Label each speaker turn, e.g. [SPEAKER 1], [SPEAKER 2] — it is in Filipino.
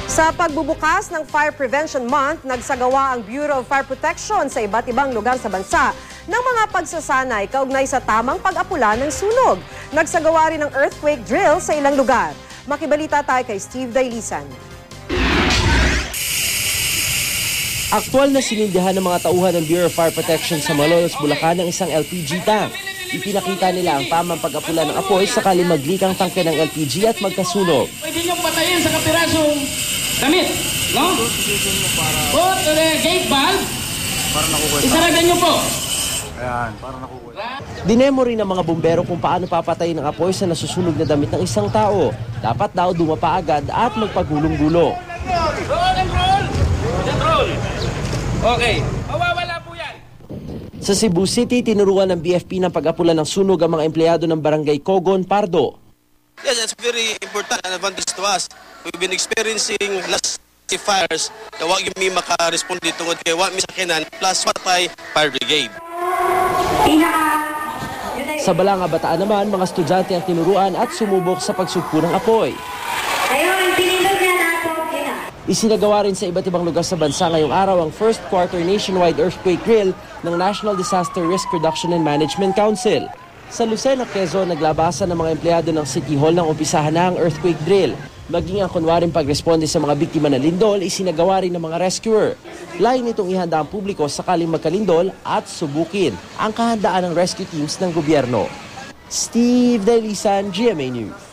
[SPEAKER 1] Sa pagbubukas ng Fire Prevention Month, nagsagawa ang Bureau of Fire Protection sa iba't ibang lugar sa bansa ng mga pagsasanay kaugnay sa tamang pag-apula ng sunog. Nagsagawa rin ng earthquake drill sa ilang lugar. Makibalita tayo kay Steve Dailisan.
[SPEAKER 2] Aktual na sinindihan ng mga tauhan ng Bureau of Fire Protection sa Malolos, Bulacan ng isang LPG tank. Ipinakita nila ang tamang pag-apula ng apoy sakali mag-leak ang tangke ng LPG at magkasunog.
[SPEAKER 3] Pwede nyo patayin sa kapirasong damit, no? Put the gate valve. Isaragan nyo po.
[SPEAKER 4] Ayan, parang nakukuha.
[SPEAKER 2] Dinemo rin ng mga bumbero kung paano papatayin ng apoy sa nasusunog na damit ng isang tao. Dapat daw dumapa agad at magpagulong-gulo.
[SPEAKER 3] Roll! Okay, mawawala po yan.
[SPEAKER 2] Sa Cebu City, tinuruan ng BFP ng pag-apula ng sunog ang mga empleyado ng Barangay Cogon, Pardo.
[SPEAKER 5] Yes, it's very important and advantage to us. We've been experiencing last fires na wag yung may maka-respond dito kaya wag may sakinan plus patay fire brigade.
[SPEAKER 2] Sa Balanga, Bataan naman, mga estudyante ang tinuruan at sumubok sa pagsugpo ng apoy. Isinagawa rin sa iba't ibang lugar sa bansa ngayong araw ang first quarter nationwide earthquake drill ng National Disaster Risk Reduction and Management Council. Sa Lucena, Quezon, naglabasan ng mga empleyado ng City Hall ng umpisahan na ang earthquake drill. Maging ang kunwaring pagresponde sa mga biktima ng lindol, isinagawa rin ng mga rescuer. Lain nitong ihanda ang publiko sakaling magkalindol at subukin ang kahandaan ng rescue teams ng gobyerno. Steve Dailisan, GMA News.